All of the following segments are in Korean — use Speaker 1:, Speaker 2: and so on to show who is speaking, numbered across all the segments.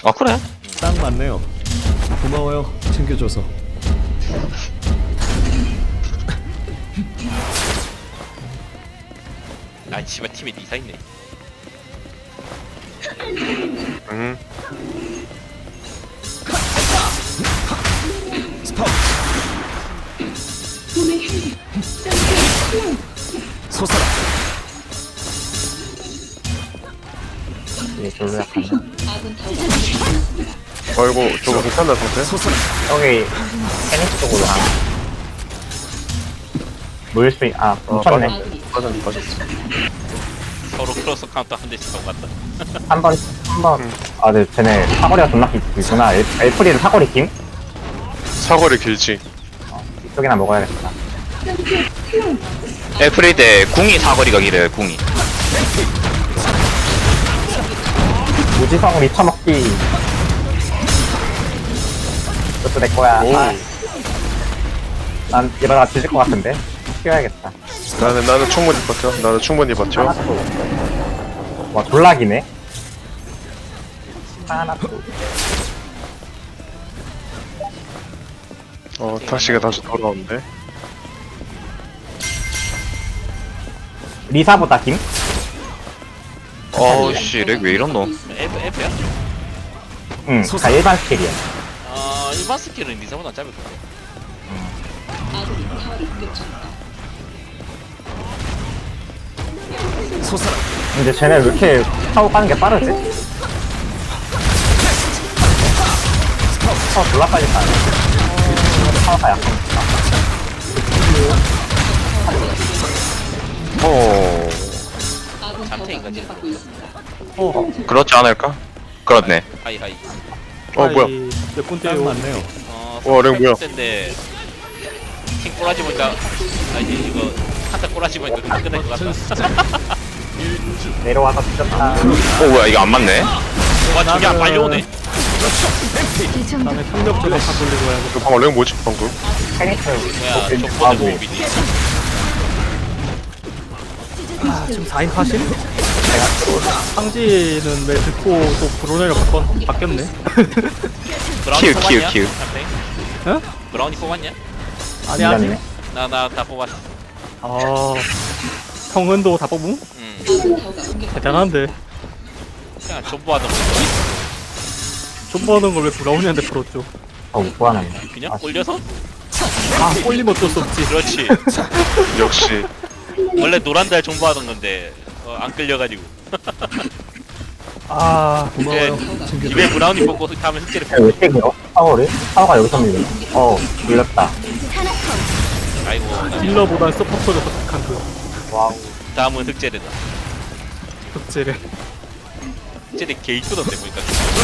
Speaker 1: 아 그래?
Speaker 2: 딱 맞네요. 고마워요. 챙겨줘서.
Speaker 3: 아 씨발 팀에 니사 있네.
Speaker 1: 응.
Speaker 2: 스톱. 솟아라.
Speaker 4: 이게 별로 약하네.
Speaker 1: 아이고 저거 괜찮나 상태?
Speaker 2: 솟아라.
Speaker 4: 여기 테니스 쪽으로 가. 물수 있, 묻혔네.
Speaker 1: 빠졌어.
Speaker 3: 서로 크로스 카운터 한 대씩 하고 갔다.
Speaker 4: 한 번. 아, 네, 쟤네 사거리가 존나 길구나. 엘프리는 사거리 김?
Speaker 1: 사거리 길지.
Speaker 4: 이쪽이나 먹어야겠다.
Speaker 1: 에프리데 궁이 사거리가 길어요 궁이.
Speaker 4: 무지성을 잊혀먹기. 이것도 내 거야.
Speaker 1: 오.
Speaker 4: 난 이러다가 뒤질 것 같은데. 튀어야겠다.
Speaker 1: 나는 충분히 버텨. 나는 충분히 버텨.
Speaker 4: 하나도. 와, 졸라기네. 하나도.
Speaker 1: 다시가 다시 돌아오는데.
Speaker 4: 리사보다 김?
Speaker 1: 어우씨 렉 왜 이런노?
Speaker 3: F야?
Speaker 4: 응, 다 일반 스킬이야.
Speaker 3: 일반 스킬은 니사보다 짧을 것 같아.
Speaker 2: 솟아라.
Speaker 4: 근데 쟤네 왜 이렇게 타고 가는 게 빠르지? 졸라 빨리 가네. 타워가 약하니까.
Speaker 3: 잠탱인가 지
Speaker 1: 그렇지 않을까? 그렇네.
Speaker 3: 하이 하이.
Speaker 1: 뭐야?
Speaker 2: 몇분 딱 맞네요.
Speaker 1: 렉 뭐야?
Speaker 3: 인데 팀 꼬라지 보니까 이제 이거 한타 꼬라지 보니까 끝날 것 같다.
Speaker 4: 내려와서 뒤졌다.
Speaker 1: 뭐야 이거 안 맞네?
Speaker 3: 와 저게 안 빨리 오네.
Speaker 2: 다음에 협력적으로 다 돌리고 해야겠다.
Speaker 1: 이거 방금 렉 뭐지 방금?
Speaker 4: 테니스
Speaker 3: 뭐야
Speaker 4: 뭐,
Speaker 3: 족보는
Speaker 4: 하고
Speaker 3: 호흡이지.
Speaker 2: 지금 4인 파실? 상지는 왜 듣고 또 브로네로 바뀌었네?
Speaker 3: 브라우니
Speaker 1: 키우,
Speaker 3: 뽑았냐?
Speaker 1: 키우.
Speaker 3: 잠탱?
Speaker 2: 어?
Speaker 3: 브라우니 뽑았냐?
Speaker 2: 아니 아직.
Speaker 4: 밀렸네.
Speaker 3: 나 다 뽑았어.
Speaker 2: 아 성은도 다 뽑음? 대단한데.
Speaker 3: 그냥 존버하던 거
Speaker 2: 좀 버는 걸 왜 브라우니한테 풀었죠?
Speaker 4: 못 구하네.
Speaker 3: 그냥 올려서?
Speaker 2: 아 꼴리면 어쩔 수 없지.
Speaker 3: 그렇지.
Speaker 1: 역시.
Speaker 3: 원래 노란 달 존버하던 건데 안 끌려가지고.
Speaker 2: 아 고마워요.
Speaker 3: 입에 브라우니 뽑고 다음에 흑제를
Speaker 4: 왜
Speaker 3: 뽑고.
Speaker 4: 이렇게 밀어? 파워를? 파워가 여기서 밀리네. 밀렸다.
Speaker 3: 아이고 나
Speaker 2: 딜러보단 서포터가 더 착한 그
Speaker 4: 와우.
Speaker 3: 다음은 흑제래다.
Speaker 2: 덕질에.
Speaker 3: 흑제래 개 이쁘던데 보니까.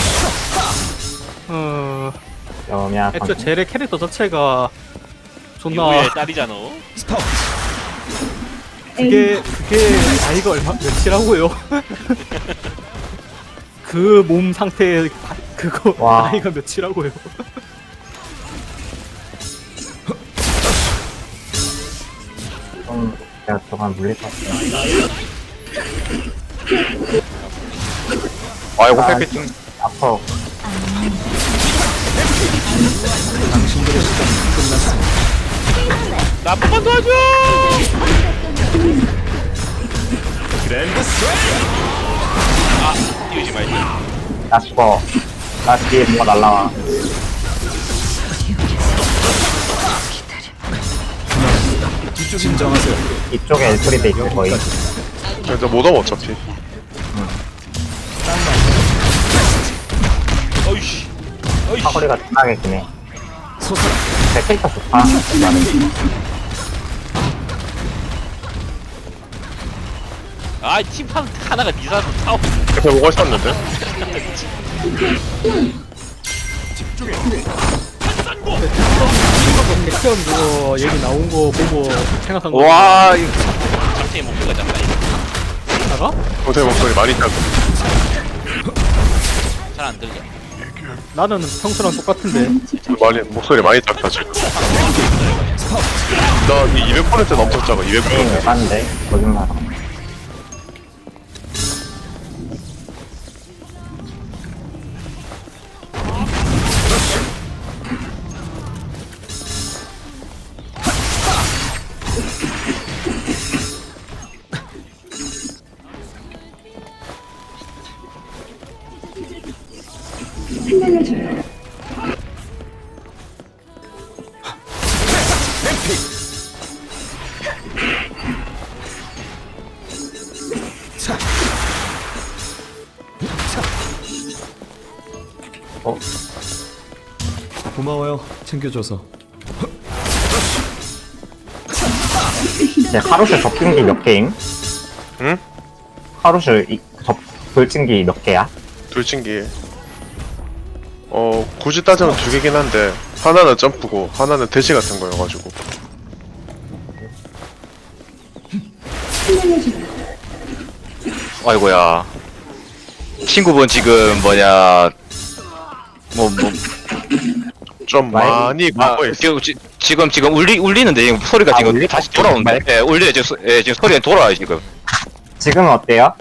Speaker 4: 여미야.
Speaker 2: 애초에 젤의 캐릭터 자체가 존나
Speaker 3: 이후에 딸이잖아.
Speaker 2: 그게 나이가 몇이라고요? 그 몸 상태 그거
Speaker 4: 와.
Speaker 2: 나이가 몇이라고요?
Speaker 4: 내가 저간 물릴 것 같아.
Speaker 1: 아이고 페피팅.
Speaker 4: 아파.
Speaker 2: 당신들의 시간이 끝났습니다.
Speaker 3: 나쁜만 도와줘. 아 띄우지 말지.
Speaker 4: 나 죽어. 나 뒤에 뭐가 날라와.
Speaker 2: 진정하세요.
Speaker 4: 이쪽에 엘프리드 있을 거의.
Speaker 1: 근데 못 오면 어차피.
Speaker 3: 어이씨. 어이씨.
Speaker 4: 사거리가 존나게 기네.
Speaker 2: 솟아라.
Speaker 4: 제 캐릭터 좋다. 나는.
Speaker 3: 아 팀판 하나가 니사도 타워.
Speaker 1: 옆에 뭐가 있었는데?
Speaker 2: 백현 그거 얘기 나온 거 보고 생각한 거.
Speaker 1: 와 이거
Speaker 3: 잠탱이 목표가 잡다.
Speaker 2: 나가?
Speaker 1: 동생 목소리 많이 작고.
Speaker 3: 잘안 들려.
Speaker 2: 나는 평소랑 똑같은데.
Speaker 1: 목소리 많이 작다 지금. 나이 200% 넘쳤 작아. 200%.
Speaker 4: 맞는데 거짓말.
Speaker 5: 고마워요. 챙겨줘서.
Speaker 4: 이제 하루슈 접근기 몇 개임?
Speaker 1: 응?
Speaker 4: 하루슈 돌진기 몇 개야?
Speaker 1: 돌진기. 굳이 따지면 두 개긴 한데 하나는 점프고 하나는 대시 같은 거여가지고.
Speaker 6: 아이고야. 친구분 지금 뭐냐
Speaker 1: 좀 많이 갖고 있어.
Speaker 6: 지금 울리는데 지금 소리가 지금
Speaker 4: 울리?
Speaker 6: 다시 돌아오는데. 예, 울려요. 지금 소리가 돌아와요 지금.
Speaker 4: 지금은 어때요?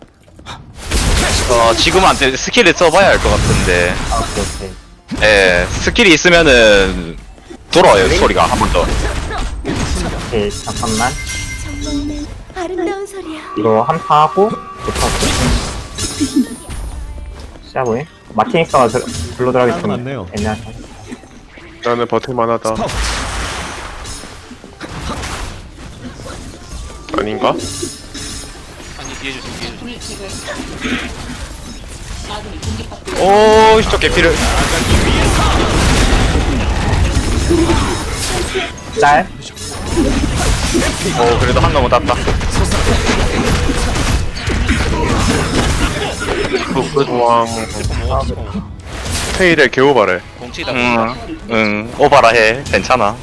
Speaker 6: 지금은 안 돼. 스킬을 써봐야 할 것 같은데.
Speaker 4: 아, 오케이.
Speaker 6: 예, 스킬이 있으면은 돌아와요 소리가 한 번 더.
Speaker 4: 오케이, 잠깐만.
Speaker 7: 정말 아름다운 소리야.
Speaker 4: 이거 한파 하고 붙었어. 시작해. 마티닉스가 불러들어가기
Speaker 5: 딱
Speaker 4: 좀
Speaker 5: 맞네요.
Speaker 4: 애매하다.
Speaker 1: 나는 버틸만하다. 아닌가?
Speaker 3: 아니 뒤에 주세요.
Speaker 6: 오, 저 개피를.
Speaker 4: 짤.
Speaker 6: 그래도 한 놈은 땄다.
Speaker 1: 왕 테일의 개오바래.
Speaker 3: 공치다.
Speaker 6: 오바라 해. 괜찮아.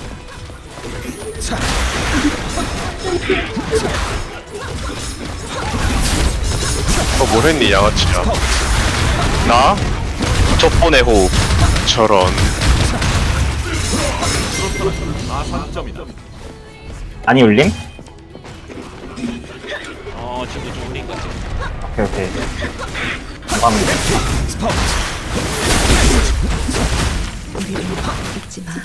Speaker 1: 뭘 했니 양아치야.
Speaker 6: 나? 족보의 호흡.
Speaker 1: 저런.
Speaker 4: 아니 울림?
Speaker 3: 지금 좀 울린 것 같아.
Speaker 4: 오케이. 감사합니다.
Speaker 7: 잊지 마.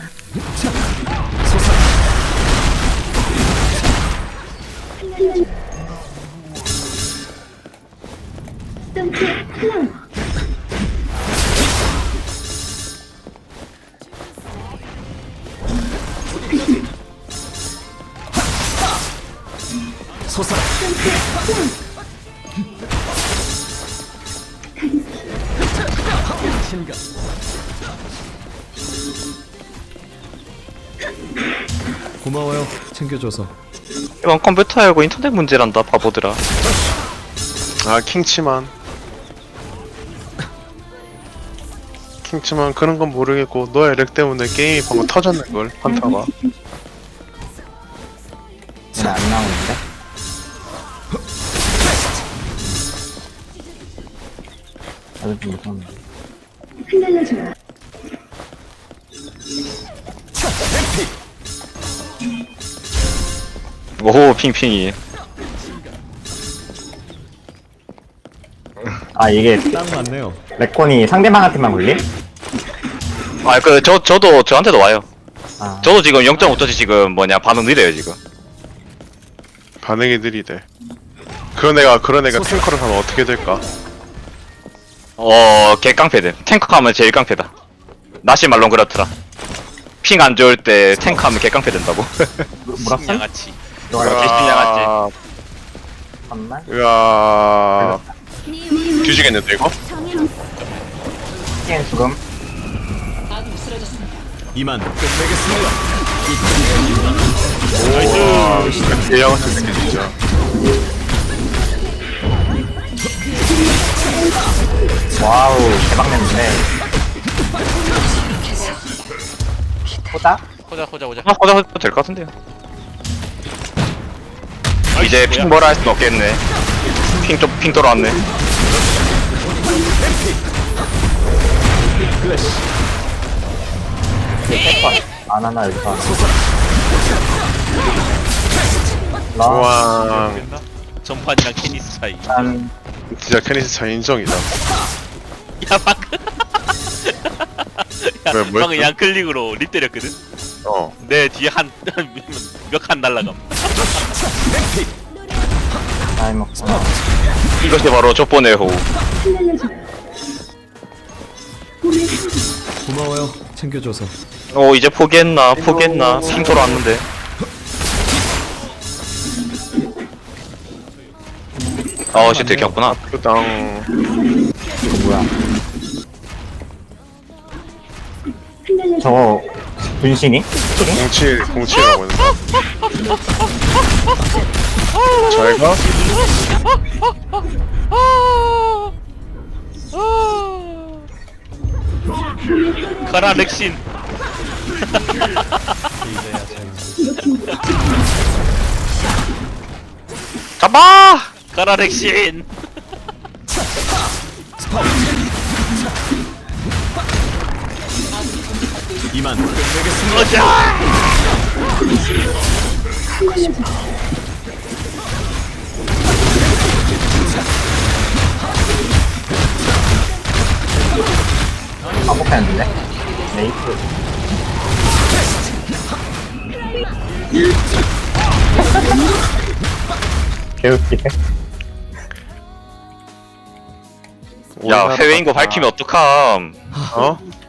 Speaker 5: 솟아라. 신가. 고마워요. 챙겨줘서.
Speaker 6: 이건 컴퓨터 알고 인터넷 문제란다 바보들아.
Speaker 1: 킹치만 그런 건 모르겠고 너의 렉 때문에 게임이 방금 터졌는걸 한타가.
Speaker 4: 오늘 안 나오는데? 아주 좀 무서운데.
Speaker 6: 오, 핑핑이.
Speaker 4: 아 이게
Speaker 5: 딱 맞네요.
Speaker 4: 레콘이 상대방한테만 굴림?
Speaker 6: 저도 저한테도 와요.
Speaker 4: 아
Speaker 6: 저도 지금 0.5터치 지금 뭐냐 반응 느려요 지금.
Speaker 1: 반응이 느리대. 그런 애가 탱커를 하면 어떻게 될까?
Speaker 6: 개깡패들. 탱커하면 제일 깡패다. 나시 말론 그렇더라. 핑 안 좋을 때 탱커하면 개깡패 된다고.
Speaker 4: 뭐라고?
Speaker 3: 양아치.
Speaker 6: 개신양아치.
Speaker 4: 잠깐만.
Speaker 1: 으아. 뒤지겠는데 이거?
Speaker 4: 스킨 죽음.
Speaker 5: 이만 끝내겠습니다.
Speaker 1: 오, 개양아치 새끼 진짜.
Speaker 4: 와우 대박 냈는데. 보다?
Speaker 3: 호자.
Speaker 6: 호자 될것 같은데요. 이제 핑 뭐라 할 순 없겠네. 핑 돌아왔네.
Speaker 5: 플래시.
Speaker 4: 안 하나 여기서. 나
Speaker 1: 우와.
Speaker 3: 전판이랑 캐니스 차이.
Speaker 4: 일단
Speaker 1: 진짜 캐니스 차 인정이다.
Speaker 3: 야 방금.
Speaker 1: 왜, 뭐
Speaker 3: 방금
Speaker 1: 했어?
Speaker 3: 양클릭으로 립 때렸거든. 내 뒤에 몇 칸 날라감.
Speaker 4: 나이 먹구나.
Speaker 6: 이것이 바로 족보의 호흡.
Speaker 5: 고마워요. 챙겨줘서.
Speaker 6: 이제 포기했나 핑 돌아왔는데. 씨 들켰구나.
Speaker 1: 그당
Speaker 4: 이거 뭐야. 저거, 분신이?
Speaker 1: 07이라고 했나? 잘가?
Speaker 3: 가라 렉신.
Speaker 6: 잡아!
Speaker 3: 가라 렉신.
Speaker 5: 이만.
Speaker 3: 어자.
Speaker 4: 반복했는데? 네이트. 개웃기네.
Speaker 6: 야, 해외인 거 밝히면 어떡함.
Speaker 1: 어?